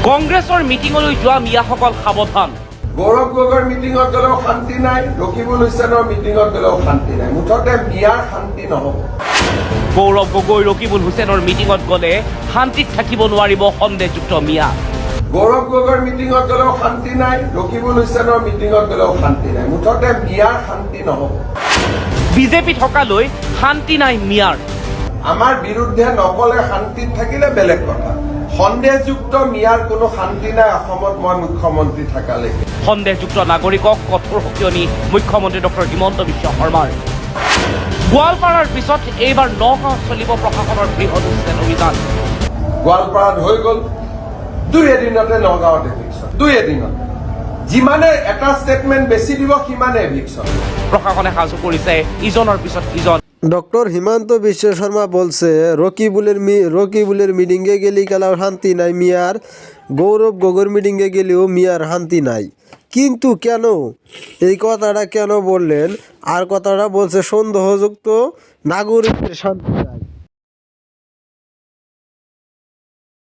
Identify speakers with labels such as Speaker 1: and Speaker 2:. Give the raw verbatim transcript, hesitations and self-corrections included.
Speaker 1: কংগ্ৰেছৰ মিটিঙলৈ যোৱা মিয়াসকল সাৱধান।
Speaker 2: গৌৰৱ গগৈৰ মিটিঙত গ'লেও শান্তি নাই, ৰকিবুল হুছেইনৰ মিটিঙত গ'লেও শান্তি নাই, মুঠতে মিয়াৰ শান্তি নহ'ব।
Speaker 1: গৌৰৱ গগৈ ৰকিবুল হুছেইনৰ মিটিঙত গ'লে শান্তিত থাকিব নোৱাৰিব সন্দেহযুক্ত মিয়া।
Speaker 2: গৌৰৱ গগৈৰ মিটিঙত গ'লেও শান্তি নাই, ৰকিবুল হুছেইনৰ মিটিঙত গ'লেও শান্তি নাই, মুঠতে মিয়াৰ শান্তি নহ'ব।
Speaker 1: বিজেপি থকালৈ শান্তি নাই মিয়াৰ।
Speaker 2: আমাৰ বিৰুদ্ধে নকলে শান্তিত থাকিলে বেলেগ কথা, সন্দেহযুক্ত মিয়াৰ কোনো শান্তি নাই অসমত মই মুখ্যমন্ত্ৰী থকালৈকে।
Speaker 1: সন্দেহযুক্ত নাগৰিকক কঠোৰ সকিয়নি মুখ্যমন্ত্ৰী ডক্টৰ হিমন্ত বিশ্ব শৰ্মাৰ। গোৱালপাৰাৰ পিছত এইবাৰ নগাঁৱত চলিব প্ৰশাসনৰ বৃহৎ উচ্ছেদ অভিযান।
Speaker 2: গোৱালপাৰাত হৈ গ'ল, দুই এদিনতে নগাঁৱত এভিকশ্যন, দুই এদিনত যিমানে এটা ষ্টেটমেণ্ট বেছি দিব সিমানে এভিকশ্যন।
Speaker 1: প্ৰশাসনে সাজু কৰিছে ইজনৰ পিছত ইজন।
Speaker 3: ডক্টর হিমন্ত বিশ্ব শর্মা বলছে রকিবুলের মি রকিবুলের মিটিংয়ে গেলে গেলেও শান্তি নাই মিয়ার, গৌরব গগৈর মিটিংয়ে গেলেও মিয়ার শান্তি নাই। কিন্তু কেন এই কথাটা কেন বললেন? আর কথাটা বলছে সন্দেহযুক্ত নাগরিকের শান্তি নাই।